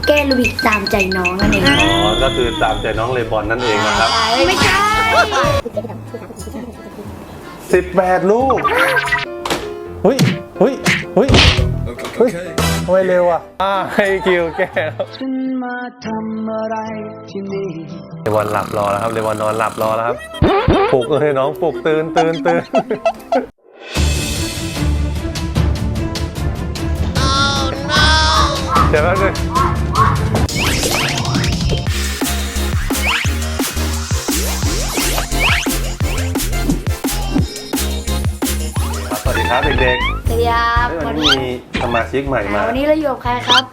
แก้ลูบิกตามใจน้องนั่นเองอ๋อก็คือตามใจน้องเลบอนนั่นเองนะครับไม่ใช่ 18 ลูกเฮ้ยเฮ้ยเฮ้ยเฮ้ยทำไมเร็วอ่ะให้คิวแก้แล้วเลบอนหลับรอแล้วครับเลบอนนอนหลับรอแล้วครับปลุกเลยน้องปลุกตื่นเดี๋ยวแป๊บนึงสวัสดีครับเด็กๆสวัสดีครับวันนี้มีสมาชิกใหม่มาวันนี้เราอยู่กับใครครับ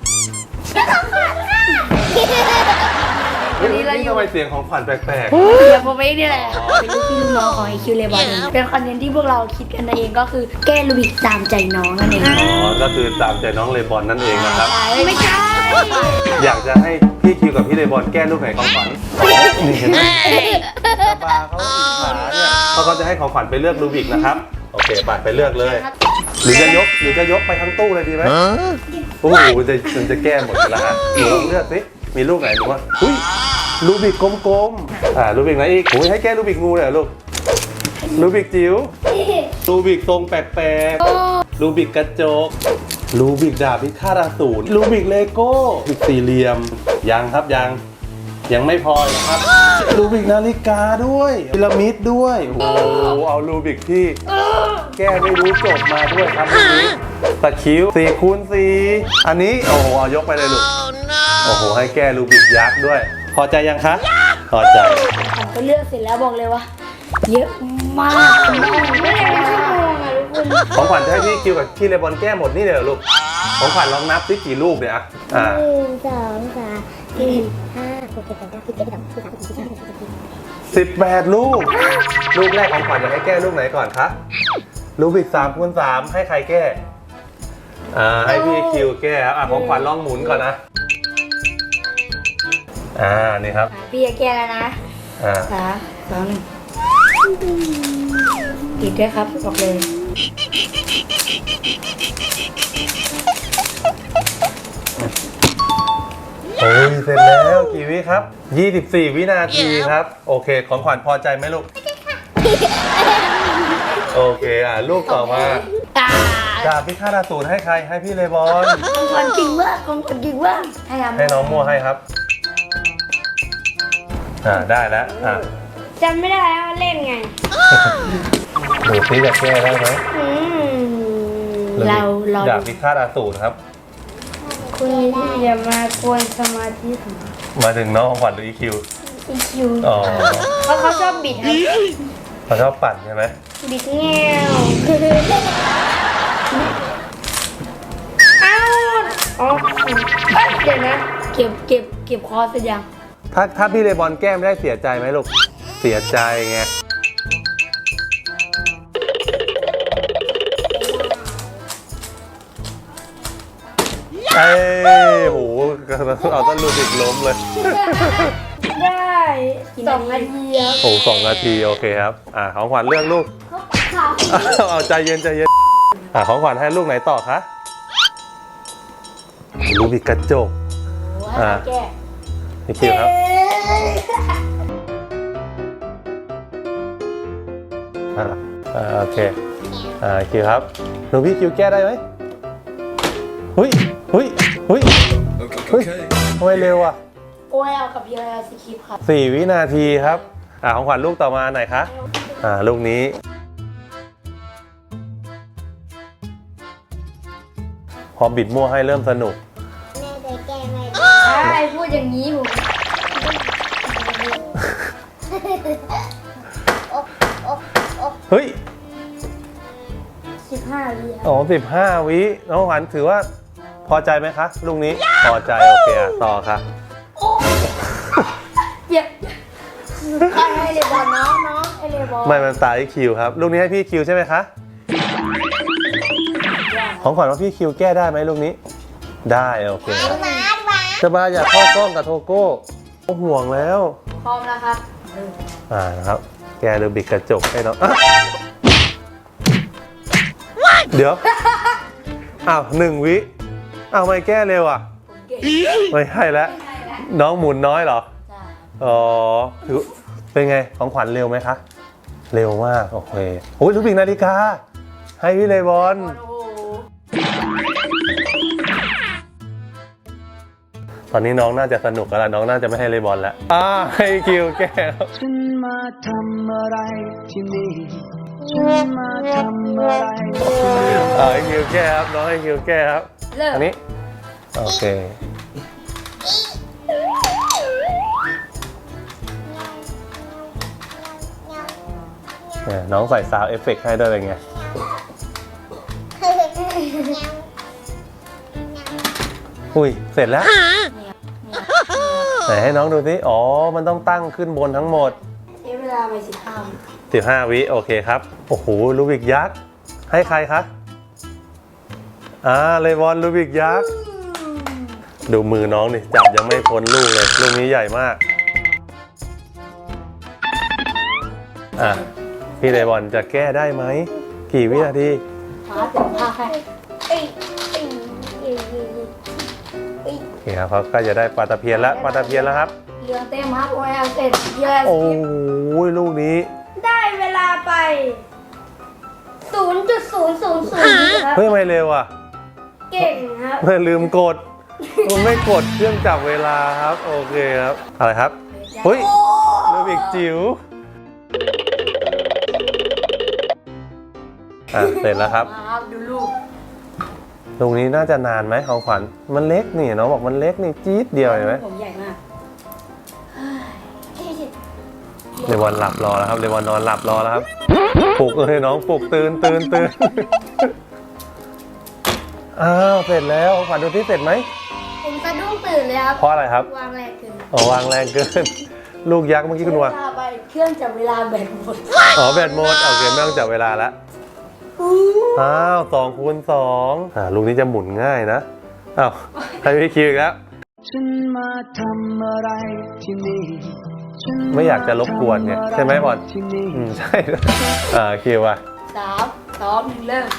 วันนี้ทำไมเสียงของขวัญแปลกเดี๋ยวผมเองนี่แหละเป็นลูกพี่ลูกน้องของไอคิวเลบอนเป็นคอนเทนต์ที่พวกเราคิดกันเองก็คือแก้ลูบิกตามใจน้องนั่นเองๆอ๋อก็คือตามใจน้องเลบอนนั่นเองนะครับไม่ใช่อยากจะให้พี่คิวกับพี่เลบอนแก้ลูกไหนของขวัญนี่เห็นไหมตาบาเขาอิจฉาเนี่ยเขาก็จะให้ของขวัญไปเลือกรูบิกนะครับโอเคปัดไปเลือกเลยหรือจะยกไปทั้งตู้เลยดีไหมโอ้โหมันจะแก้หมดแล้วฮะหนูลองเลือกสิมีลูกไหนหนูว่าอุ้ยรูบิกกลมๆรูบิกไหนอีกโอ้ยให้แก้รูบิกงูเลยเหรอลูกรูบิกจิ๋วรูบิกทรงแปลกๆรูบิกกระจกรูบิกดาบพิฆาตอสูรรูบิกเลโก้รูบิกสี่เหลี่ยมยังครับยังไม่พอนะครับรูบิกนาฬิกาด้วยพีระมิดด้วยโอ้โหเอารูบิกที่แก้ไม่รู้จบมาด้วยครับวันนี้ตะคริว4 คูณ 4อันนี้โอ้โหเอายกไปเลยลูกโอ้โหให้แก้รูบิกยักษ์ด้วยพอใจยังคะพอใจผมก็เลือกเสร็จแล้วบอกเลยว่าเยอะมากไม่ได้เป็นชั่วโมงอะทุกคนของขวัญจะให้พี่คิวกับพี่เลบอนแก้หมดนี่เลยเหรอลูกของขวัญลองนับสิกี่ลูกเนี่ยอ่ะ 1 2 3 4 5 6 7 8 9 10 11 12 13 14 15 18 ลูกลูกแรกของขวัญจะให้แก้ลูกไหนก่อนคะรูบิก3 คูณ 3ให้ใครแก้ให้พี่คิวแก้ครับของขวัญลองหมุนก่อนนะนี่ครับพี่จะแก้แล้วนะ3 2 1ติดด้วยครับบอกเลยโอ้ยเสร็จแล้วกี่วิครับ24 วินาทีครับโอเคของขวัญพอใจไหมลูกโอเคลูกต่อมาดาบพิฆาตอสูรให้ใครให้พี่เลบอนของคนจริงว่าของคนจริงว่าให้น้องมั่วให้ครับได้แล้วจำไม่ได้แล้วเล่นไงดูซิจะแก้ได้ไหมเราดาบพิฆาตอสูรครับคุณอย่ามากวนสมาธิผมมาถึงน้องของขวัญหรือ EQ อ๋อเพราะเขาชอบบิดครับเขาชอบปั่นใช่ไหมบิดแง่วอ้าวอ๋อเดี๋ยวนะเก็บคอเสร็จยังถ้าพี่เลบอนแก้ไม่ได้เสียใจไหมลูกเสียใจไงโหเอาต้นรูบิกล้มเลยได้2 นาทีครับโอ้2 นาทีโอเคครับของขวัญเลือกลูกเอาใจเย็นของขวัญให้ลูกไหนต่อคะรูบิกกระจกแก้นี่คิวครับโอเคคิวครับหนูพี่คิวแก้ได้ไหมเฮ้ยทำไมเร็วอ่ะโอ้ยเอากับพี่เอาสคริปต์ครับ 4 วินาทีครับของขวัญลูกต่อมาไหนคะลูกนี้พอบิดมั่วให้เริ่มสนุกแม่จะแก้ไม่ได้ใช่พูดอย่างนี้ผมเฮ้ย 15 วิอ๋อ15 วิน้องขวัญถือว่าพอใจไหมคะลูกนี้พอใจโอเคต่อค่ะอย่าให้เลบอลน้องให้เลบอลไม่มันตายคิวครับลูกนี้ให้พี่คิวใช่ไหมคะของขวัญว่าพี่คิวแก้ได้ไหมลูกนี้ได้โอเคจะมาอยากเข้ากล้องกับโทโก้ห่วงแล้วพร้อมแล้วครับนะครับแกรูบิกกระจกให้น้องเดี๋ยว1 วิไม่แก้เร็วผมแก้ไม่ใช่แล้วน้องหมุนน้อยเหรอใช่อ๋อถือเป็นไงของขวัญเร็วไหมคะ เร็วมากโอเคโอ้ยลูกบิกนาฬิกาให้พี่เลบอนโอ้โหตอนนี้น้องน่าจะสนุกแล้วล่ะน้องน่าจะไม่ให้เลบอนแล้วให้คิวแก้วฉันมาทำอะไรที่นี่ฉันมาทำอะไรที่นี่ให้คิวแก้ครับน้องให้คิวแก้ครับเริ่มอันนี้โอเคเนี่ยน้องใส่ซาวด์เอฟเฟกต์ให้ด้วยเป็นไงอุ้ยเสร็จแล้วไหนให้น้องดูสิอ๋อมันต้องตั้งขึ้นบนทั้งหมดใช้เวลาไป15 วิโอเคครับโอ้โหลูบิกยักษ์ให้ใครคะเลบอนลูบิกยักษ์ดูมือน้องนี่จับยังไม่พ้นลูกเลยลูกนี้ใหญ่มากพี่เลบอนจะแก้ได้ไหมกี่วินาทีมาถึงภาคให้โอเคครับเขาก็จะได้ปลาตะเพียนแล้วครับเรือเต็มครับโอ้ยเอาเสร็จเยอะโอ้ยลูกนี้ได้เวลาไป 0.000 ครับเฮ้ยทำไมเร็วอ่ะเก่งครับไม่ลืมกดมันไม่กดเครื่องจับเวลาครับโอเคครับอะไรครับเฮ้ยลูบิกจิ๋วเสร็จแล้วครับมาครับดูลูกลูกนี้น่าจะนานไหมของขวัญมันเล็กนี่น้องบอกมันเล็กนี่จี๊ดเดียวเห็นไหมผมใหญ่มากเรวอนหลับรอแล้วครับเรวอนนอนหลับรอแล้วครับปลุกเลยน้องปลุกตื่นอ้าวเสร็จแล้วของขวัญดูที่เสร็จไหมผมสะดุ้งตื่นเลยครับเพราะอะไรครับวางแรงเกินวางแรงเกินลูกยักษ์เมื่อกี้คุณว่าเวลาไปเครื่องจับเวลาแบตหมดแบตหมดโอเคไม่ต้องจับเวลาแล้ว2 คูณ 2ลูกนี้จะหมุนง่ายนะให้พี่คิวอีกแล้วฉันมาทำอะไรที่นี่ฉันไม่อยากจะรบกวนเนี่ยใช่ไหมบอลที่นี่ใช่คิวอ่ะ 3 2 1เริ่ม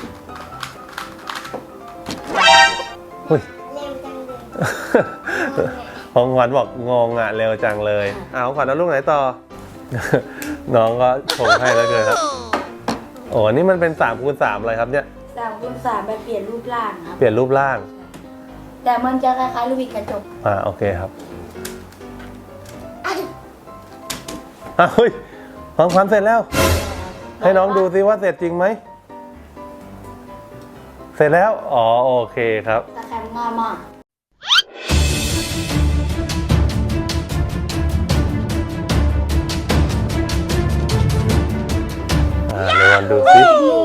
อุ้ยเร็วจังเลยของขวัญบอกงงอ่ะเร็วจังเลยของขวัญเอาลูกไหนต่อ น้องก็ชงให้แล้วเกินครับโอ้นี่มันเป็น3 คูณ 3อะไรครับเนี่ย 3 คูณ 3ไปเปลี่ยนรูปร่างครับเปลี่ยนรูปร่างแต่มันจะคล้ายๆลูกบิดกระจกโอเคครับเฮ้ยของขวัญเสร็จแล้ว ให้น้องดูซิว่าเสร็จจริงไหมเสร็จแล้วโอเคครับตะแคงง่ายมากเดี๋ยวดูซิ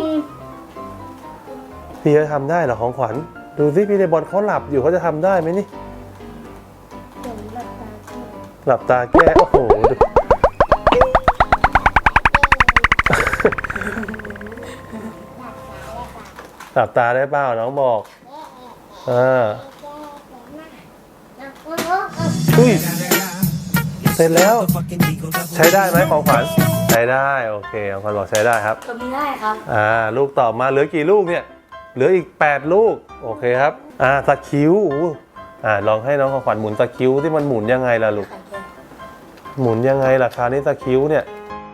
พี่จะทำได้เหรอของขวัญดูซิพี่เลบอนเขาหลับอยู่เขาจะทำได้ไหมนี่หลับตาแก้โอ้โหดูหลับตาได้เปล่าน้องบอกอุ้ยเสร็จแล้วใช้ได้ไหมของขวัญใช้ได้โอเคของขวัญบอกใช้ได้ครับก็ไม่ได้ครับลูกต่อมาเหลือกี่ลูกเนี่ยเหลืออีก8 ลูกโอเคครับสคิวลองให้น้องของขวัญหมุนสคิวที่มันหมุนยังไงล่ะลูกหมุนยังไงล่ะคราวนี้สคิวเนี่ย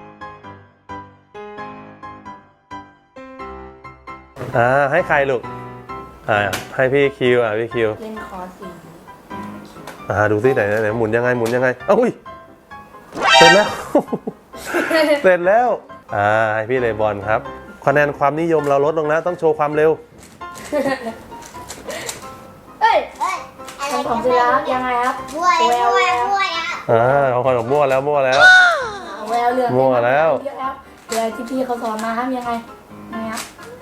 ให้ใครลูกให้พี่คิวพี่คิวเล่นคอร์สสีดูซิไหนหมุนยังไงอุ้ยเสร็จแล้ว เสร็จแล้วให้พี่เลบอนครับคะแนนความนิยมเราลดลงแล้วต้องโชว์ความเร็วเอ้ยอะไรของเสร็จแล้วยังไงครับบัวอ่ะของขวัญบอกมั่วแล้วแววเรือมั่วแล้วเยอะแล้วเรือที่พี่เขาสอนมาครับยังไงครับ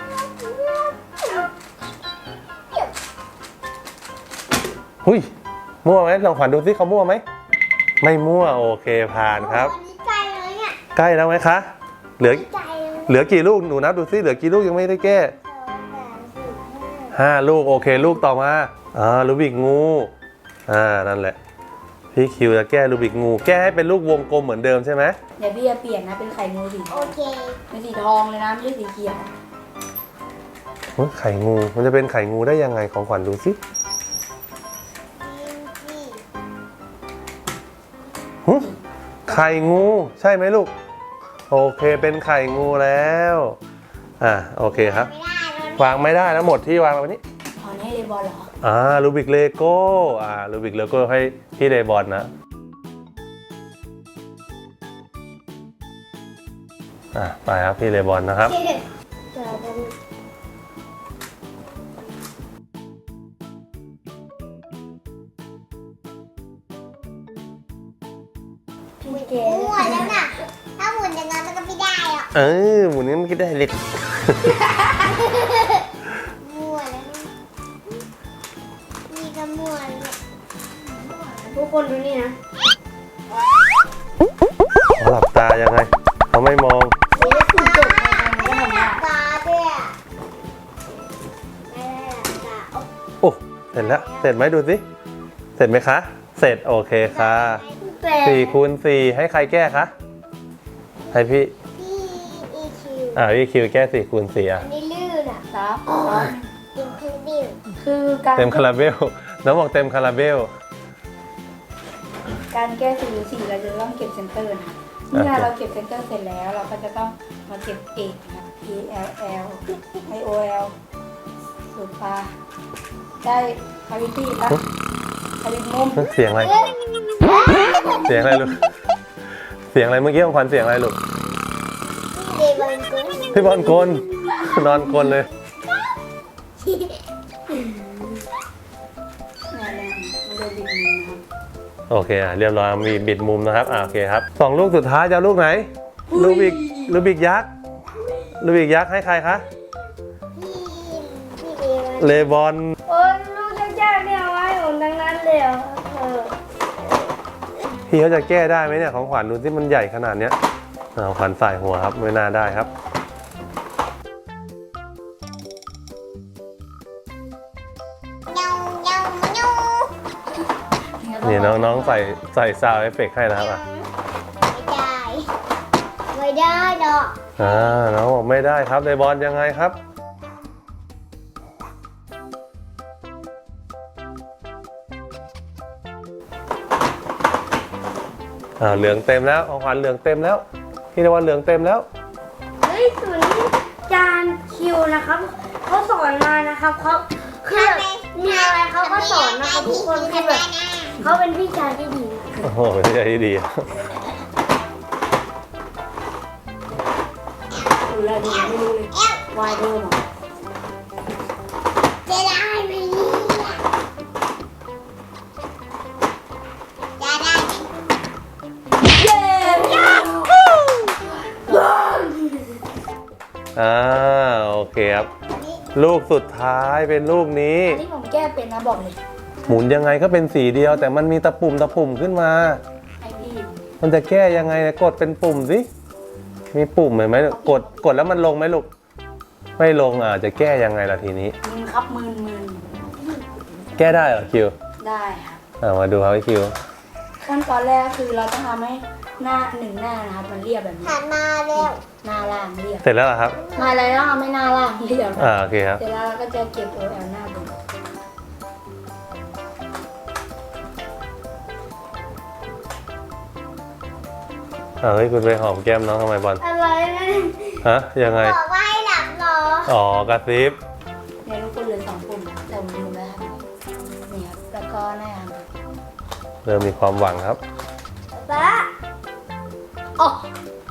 หุยมั่วไหมลองขวัญดูซิเขามั่วไหมไม่มั่วโอเคผ่านครับอันนี้ใกล้เลยเนี่ยใกล้แล้วไหมคะเหลือใกล้เลยเหลือกี่ลูกหนูนับดูซิเหลือกี่ลูกยังไม่ได้แก้ 2 3 4 5 ลูกโอเคลูกต่อมาลูบิกงูนั่นแหละพี่คิวจะแก้ลูบิกงูแก้ให้เป็นลูกวงกลมเหมือนเดิมใช่ไหมเดี๋ยวพี่จะเปลี่ยนนะเป็นไข่งูสี 5โอเคเป็นสีทองเลยนะไม่ใช่สีเขียวไข่งูมันจะเป็นไข่งูได้ยังไงของขวัญดูซิหึไข่งูใช่ไหมลูกโอเคเป็นไข่งูแล้วโอเคครับวางไม่ได้แล้วหมดที่วางแล้วนี้ถอนให้เลบอลเหรอรูบิกเลโก้รูบิกเลโก้ให้พี่เลบอนนะไปครับพี่เลบอนนะครับพี่เกหมุนแล้วน่ะถ้าหมุนอย่างนั้นมันก็ไม่ได้หรอกหมุนนี้มันก็ได้เล็กมั่วแล้วนี่ก็มั่วเลยทุกคนดูนี่นะหลับตายังไงเขาไม่มองนี่ได้คุณจบในการไม่ก็ได้ทำหได้ลับตาด้วยไม่ได้หลับตาโอ้เสร็จแล้วเสร็จไหมดูสิเสร็จไหมคะเสร็จโอเคค่ะแต่ 4 คูณ 4ให้ใครแก้คะให้พี่พี่อีคิวพี่คิวแก้4 คูณ 4 อันนี้ลื่นอ่ะครับกินคือบิวคือการเต็มคาราเบลน้องบอกเต็มคาราเบลการแก้4หรือ4เราจะต้องเก็บเซนเตอร์นะเมื่อเราเก็บเซนเตอร์เสร็จแล้วเราก็จะต้องมาเก็บเอกนะ E L L I O L สูตรปลาได้คาวิตี้ปะคาวิมุมเสียงอะไรเสียงอะไรลูกเสียงอะไรเมื่อกี้ของขวัญเสียงอะไรลูกเดบอนกุ้งพี่บอลกลนอนกลเลยงานแรงมันเลยบินมือนะครับโอเคเรียบร้อยมีบิดมุมนะครับโอเคครับ2 ลูกสุดท้ายจะเอาลูกไหนลูบิกยักษ์ลูบิกยักษ์ให้ใครคะพี่เดบอนเลบอนโอ้ยลูกยากๆเนี่ยเอาไว้ผมทั้งนั้นเลยอ่ะพี่เขาจะแก้ได้ไหมเนี่ยของขวัญดูที่มันใหญ่ขนาดเนี้ยของขวัญใส่หัวครับไม่น่าได้ครับนี่น้องๆใส่ซาวด์เอฟเฟกต์ให้นะครับไม่ได้หรอกน้องบอกไม่ได้ครับเลบอนยังไงครับเหลืองเต็มแล้วของขวัญเหลืองเต็มแล้วพี่เลบอนเหลืองเต็มแล้วเฮ้ยส่วนนี้จานคิวนะครับเขาสอนมานะครับเขาคือแบบมีอะไรเขาก็สอนนะครับทุกคนคือแบบเขาเป็นพี่ชายที่ดีโอ้โหเป็นใจที่ดีดูแลดีไม่รู้เลยวายเดิมอ่ะจะได้ไหมจะได้ไหมเย้โอเคครับลูกสุดท้ายเป็นลูกนี้อันนี้ผมแก้เป็นนะบอกเลยหมุนยังไงก็เป็นสีเดียวแต่มันมีตะปุ่มขึ้นมาไอพี่มันจะแก้ยังไงเนี่ยกดเป็นปุ่มสิมีปุ่มเห็นไหมกดแล้วมันลงไหมลูกไม่ลงจะแก้ยังไงล่ะทีนี้มึนครับมึนแก้ได้เหรอคิวได้ครับมาดูครับพี่คิวขั้นตอนแรกคือเราต้องทำให้หน้าหนึ่งหน้านะครับมันเรียบแบบนี้หันมาเร็วหน้าล่างเรียบเสร็จแล้วเหรอครับมาอะไรต้องทำให้หน้าล่างเรียบโอเคครับเสร็จแล้วเราก็จะเก็บ OL หน้าบนเฮ้ยคุณไปหอมแก้มน้องทำไมบอลอะไรนะฮะยังไงบอกว่าให้หลับรอกระซิบเนี่ยทุกคนเหลือ2 ปุ่มนะแต่ผมลืมแล้วครับนี่ครับแล้วก็หน้าครับเริ่มมีความหวังครับป๊าอ๋อ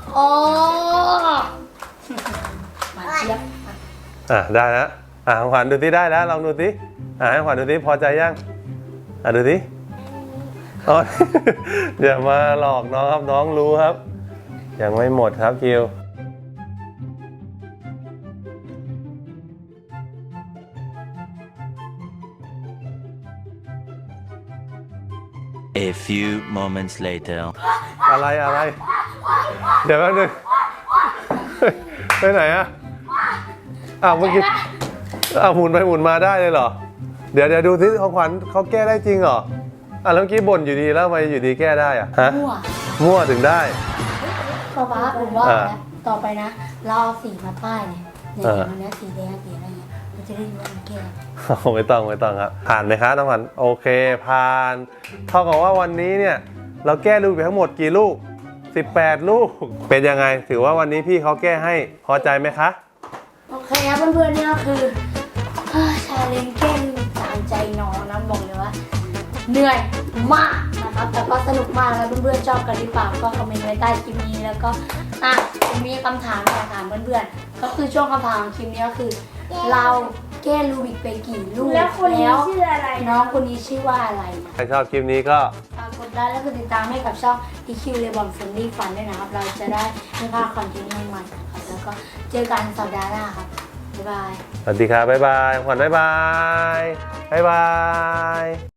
มาเชียบได้แล้วของขวัญดูสิได้แล้วลองดูสิให้ขวัญดูสิพอใจยังดูสิอย่ามาหลอกน้องครับน้องรู้ครับยังไม่หมดครับคิว A few moments later. อะไรเดี๋ยวแป๊บนึงไปไหนเมื่อกี้หมุนไปหมุนมาได้เลยเหรอเดี๋ยวดูสิของขวัญเขาแก้ได้จริงเหรอแล้วเมื่อกี้บ่นอยู่ดีแล้วทำไมอยู่ดีแก้ได้ฮะมั่วถึงได้ป๊าผมว่านะต่อไปนะเราเอาสีมาป้ายเนี่ยมันนี้สีแดงสีอะไรเงี้ยเราจะได้รู้ว่ามันแก้ไม่ต้องครับผ่านไหมคะน้องขวัญโอเคผ่านเท่ากับว่าวันนี้เนี่ยเราแก้ลูกไปทั้งหมดกี่ลูก18ลูกเป็นยังไงถือว่าวันนี้พี่เขาแก้ให้พอใจไหมคะโอเคครับเพื่อนๆนี่ก็คือชาเลนจ์แก้ลูบิกตามใจน้องนะบอกเลยว่าเหนื่อยมากนะครับแต่ก็สนุกมากแล้วเพื่อนๆชอบกันหรือเปล่าก็คอมเมนต์ไว้ใต้คลิปนี้แล้วก็ผมมีคำถามอยากถามเพื่อนๆก็คือช่วงคำถามของคลิปนี้ก็คือเราแก้ลูบิกไปกี่ลูกแล้วคนนี้ชื่ออะไรน้องคนนี้ชื่อว่าอะไรนะใครชอบคลิปนี้ก็ฝากกดไลค์และกดติดตามให้กับช่อง EQ Lebon Family Fun ด้วยนะครับเราจะได้ไม่พลาดคอนเทนต์ใหม่ๆนะครับแล้วก็เจอกันสัปดาห์หน้าครับบ๊ายบายสวัสดีครับบ๊ายบายขวัญบ๊ายบายบ๊ายบาย